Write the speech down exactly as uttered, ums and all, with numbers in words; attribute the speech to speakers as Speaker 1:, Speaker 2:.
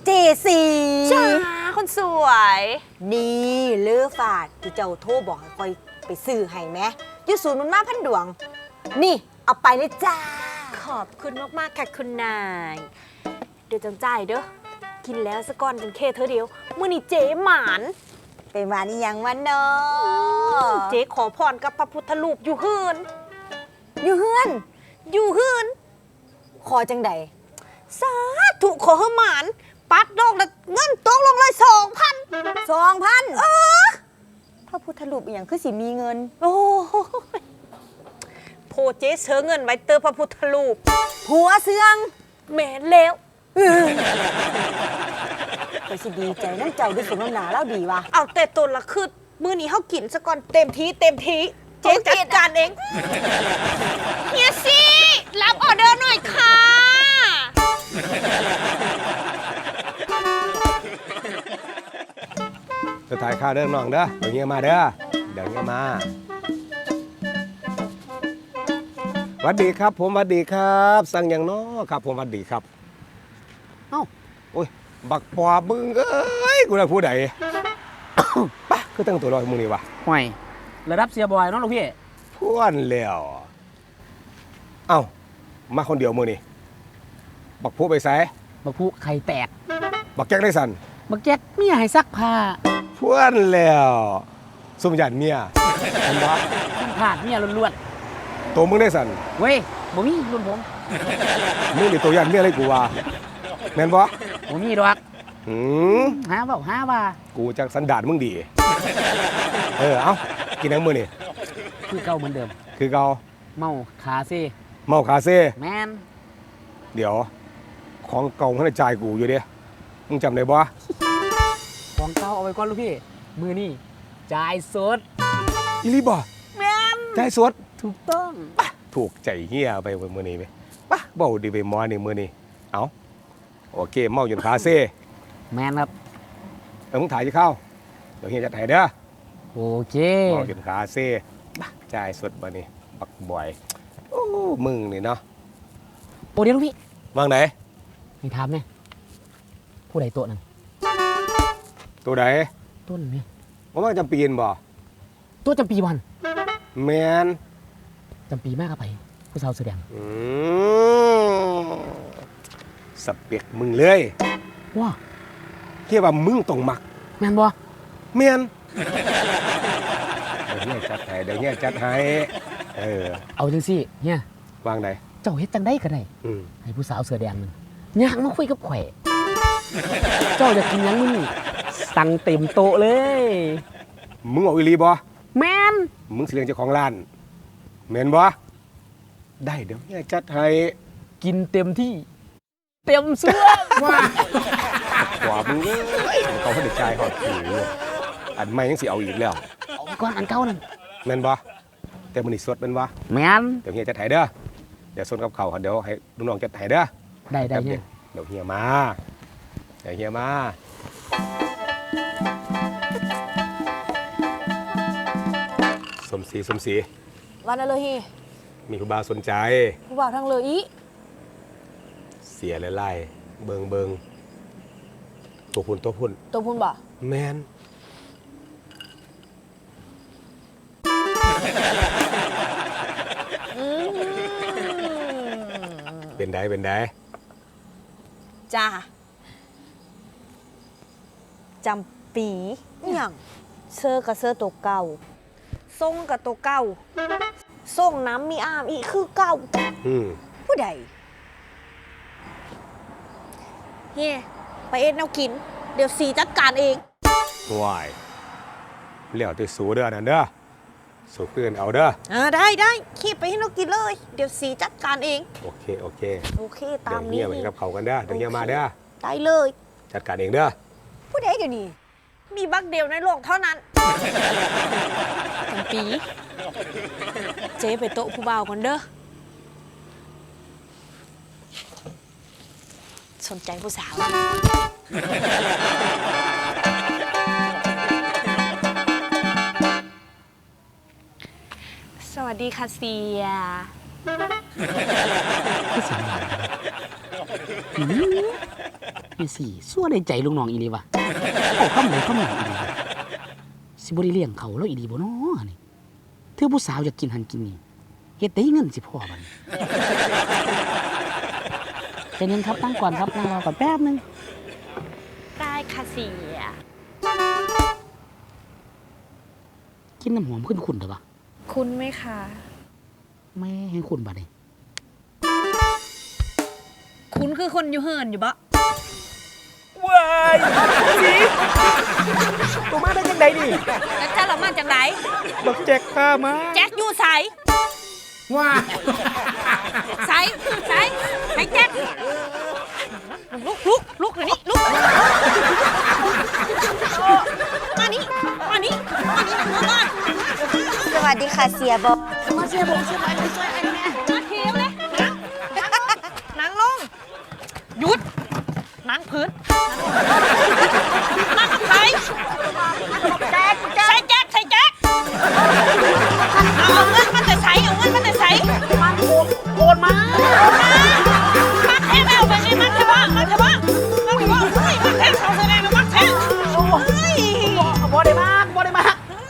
Speaker 1: เจสี
Speaker 2: จ้าคนสวย
Speaker 1: นี่เลือฝาดที่เจ้าโทรบอกให้คอยไปซื้อให้ไหมอยู่ศูนย์มันมาพันดวงนี่เอาไปเลยจ้า
Speaker 2: ขอบคุณมากๆค่ะคุณนายเดี๋ยวจังใจเด้อกินแล้วสะก้อนจังเคเธอเดียวมื่อนี้เจ๊หมาน
Speaker 1: เป็นหวานอีหยังวันเนาะ
Speaker 2: เจ๊ขอพรกับพระพุทธรูปอยู่เฮือน
Speaker 1: อยู่เฮือน
Speaker 2: อยู่เฮือน
Speaker 1: ขอจังใด
Speaker 2: สาธุขอเฮหมานปัดดอกแล้วเงินตกลงเลยสองพัน
Speaker 1: สองพันเออพระพุทธรูปอีหยังคือสิมีเงิน
Speaker 2: โอ้โพเจ๊เสือเงินไว้เตอพระพุทธรูป
Speaker 1: ผัวเสือง
Speaker 2: แม่แล้ว
Speaker 1: ก็สิดีใจน้ำเจ้าดูสมน้ำหนาแล้วดีวะ
Speaker 2: เอาแต่ตัวละคือมื้อนี้เขากินซะก่อนเต็มทีเต็มทีเจ๊จัดการเองเฮียซี่รับออเดอร์หน่อยค่ะ
Speaker 3: จะถ่ายข้าวเด้อน้องเด้อเดี๋ยวเงี้ยมาเด้อเดี๋ยวเงี้ยมาสวัสดีครับผมสวัสดีครับสั่งอย่างน้อครับผมสวัสดีครับเอ้าโอ้ยบักปอบมึงเอ้ยกูได้พูดไหนปะคือตั้งตัวลอยมึงนี่วะ
Speaker 4: ห่วยระดับเสียบอยน้องลูกพี่
Speaker 3: พ่วนแล้วเอ้ามาคนเดียวมึงนี่บักผู้ไปใส่
Speaker 4: บักผู้ไข่แตก
Speaker 3: บักแก๊กได้สัน
Speaker 4: บักแก๊กเมียให้ซักผ้า
Speaker 3: พ่วนแล้วสมยันเมียเห็นปะ
Speaker 4: ผ่านเมียล้วน
Speaker 3: ๆตัวมึงได้สัน
Speaker 4: เว้ยบ่มีรุ่นผม
Speaker 3: มึงนี่ตัวยันเมียอะไรกูวะแม่นปะ
Speaker 4: บ่มีดอก
Speaker 3: หืม
Speaker 4: หาเปล่าหาว่า
Speaker 3: กูจักสันดานมึงดีเออเอ้ากินน้ำมือนี่
Speaker 4: คือเก่าเหมือนเดิม
Speaker 3: คือเก่า
Speaker 4: เมาขาเซ่
Speaker 3: เมาขาเซ่
Speaker 4: แมน
Speaker 3: เดี๋ยวของเก่าให้จ่ายกูอยู่เด้มึงจำได้บ่
Speaker 4: ของเก่าเอาไว้ก่อนลูกพี่มือนี่จ่ายสด
Speaker 3: อีลีบ่
Speaker 4: แมน
Speaker 3: จ่ายสด
Speaker 4: ถูกต้อง
Speaker 3: ถูกใจเฮียไปมือนี้ไหมปะเบาดีไปมอนี่มือนี้เอาโอเคเมาจนขาเซ่
Speaker 4: แมนครับ
Speaker 3: เออมึงถ่ายจะเข้าเดี๋ยวเฮียจะถ่ายเด้อ
Speaker 4: โอเค
Speaker 3: เมาจนขาเซ่จ่ายสดมานี่บักบ่อยโอ้มึงนี่เนาะ
Speaker 4: โอ้เดี๋ยวลูกพี่
Speaker 3: วางไหน
Speaker 4: มีถามเนี่ยผู้ใดโต๊ะนั่น
Speaker 3: ตัวใด
Speaker 4: ต้นนี่
Speaker 3: ว่ามันจำปีนบ่
Speaker 4: ตัวจำปีวัน
Speaker 3: แมน
Speaker 4: จำปีมากครับไปผู้สาวเสื้อแดง
Speaker 3: อืมสเปกมึงเลย
Speaker 4: ว้า
Speaker 3: เรียกว่ามึงต้องมัก
Speaker 4: แมนบ่
Speaker 3: แมนเดี๋ยวเนี่ยจัดให้เดี๋ยวเนี่ยจัดให้เออ
Speaker 4: เอาจังสิเนี่ยว
Speaker 3: างไหน
Speaker 4: เจ้าเฮ็ดจังได้ก็ได้ให้ผู้สาวเสื้อแดงมันอยากมาคุยกับข่อยเจ้าอยากกินยังมึงสั่งเต็มโต๊ะเลย
Speaker 3: มึงเอาอีลีบ่
Speaker 4: แมน
Speaker 3: มึงสิเลี้ยงเจ้าของร้านแมนบ่ได้เดี๋ยวเนี่ยจัดให้
Speaker 4: กินเต็มที่เต็มเสื้อ
Speaker 3: ว่าขวามึงเลยเขาเขาเด็กชายเขาถืออันใหม่ยังสิเอาอีกแล้ว
Speaker 4: เอาก่อนอันเก่านั่น
Speaker 3: แมนบ่แต่มันนี่สดแมนบ่
Speaker 4: แมน
Speaker 3: เดี๋ยวเฮียจัดให้เด้อเดี๋ยวสดกับเขาเดี๋ยวให้ลูกน้องจัดให้เด้อ
Speaker 4: ได้ได้เนี่ย
Speaker 3: เดี๋ยวเฮียมาเดี๋ยวเฮียมาสมศรีสมศรี
Speaker 2: วันนั้นเลยฮี
Speaker 3: มีผู้บ่าวสนใจ
Speaker 2: ผู้บ่าวทั้งเลยอี
Speaker 3: เสียไล่เบิงเบิงตัวพุ่นตัวพุ่น
Speaker 2: ตัวพุ่นบ่
Speaker 3: แมนเป็นได้เป็นได้
Speaker 2: จ้าจำปีอย่างเสื้อกับเสื้อตัวเก่าส่งกับตัวเก่าส่งน้ำมีอามอีกคือเก่าผู้ใดเฮ้ไปเอ็ดแนวกินเดี๋ยวสีจัดการเอง
Speaker 3: ว้ายเหลี่ยวตัวสูเด้อนั่นเด้อสูเพื่อนเอาเด้อ
Speaker 2: อ่าได้ได้ขี้ไปให้แนวกินเลยเดี๋ยวสีจัดการเอง
Speaker 3: โอเคโอเค
Speaker 2: โอเคตามนี้
Speaker 3: เดี๋ยวเงียบไปกับเขากันเด้อเดี๋ยวเงียบมาเด้อ
Speaker 2: ได้เลย
Speaker 3: จัดการเองเด้อ
Speaker 2: ผู้ใดเดี๋ยวนี้มีบักเดียวในโลกเท่านั้นปีเจ๊ไปโต๊ะผู้บ่าวก่อนเด้อสนใจผู้สาวสวัสดีค่ะเสีย
Speaker 4: คือเสียงหลานอืมนี่สิซั่วได้ใจลูกน้องอีหลีวะเอาคำไหนคำหนึ่งอีหลีวะสิบ่ได้เลี้ยงเขาแล้วอีหลีบ่เนาะนี่เธอผู้สาวอยากกินหันกินนี่เฮ็ดได้เงินสิพ่อบัดนี้ใจเย็นครับตั้งก่อนครับนั่งรอก่อนแป๊บนึง
Speaker 2: ได้ค่ะเสีย
Speaker 4: กินน้ำหอมขึ้นขุนเถอะปะ
Speaker 2: คุณไหมคะ
Speaker 4: แม่ให้ขุนบัดนี้
Speaker 2: คุณคือคนอยู่เหินอยู่บะ
Speaker 4: ว้ายสิตัวมาได้ยังไงนี่
Speaker 2: แล้วจ้าเรามาจากไหน
Speaker 4: บักแจ็คข้ามา
Speaker 2: แจ็คอยู่ใส
Speaker 4: ว้า
Speaker 2: ใสใสไอ้แจ็คลุกลุกลุกเดี๋ยวนี้ลุกมานี่มานี่มานี่มาก่อน
Speaker 1: สวัสดีค่ะเสียบอก
Speaker 2: มาเสียบงเสียไปช่วยไอ้แม่มาเทียวเลยนั่งลงหยุดนั่งพื้นนั่งกับใครแจ็คใส่แจ็คใส่แจ็คเอาเงินมันจะใส่เอาเงินมันจะใส่มาโอนโอนมา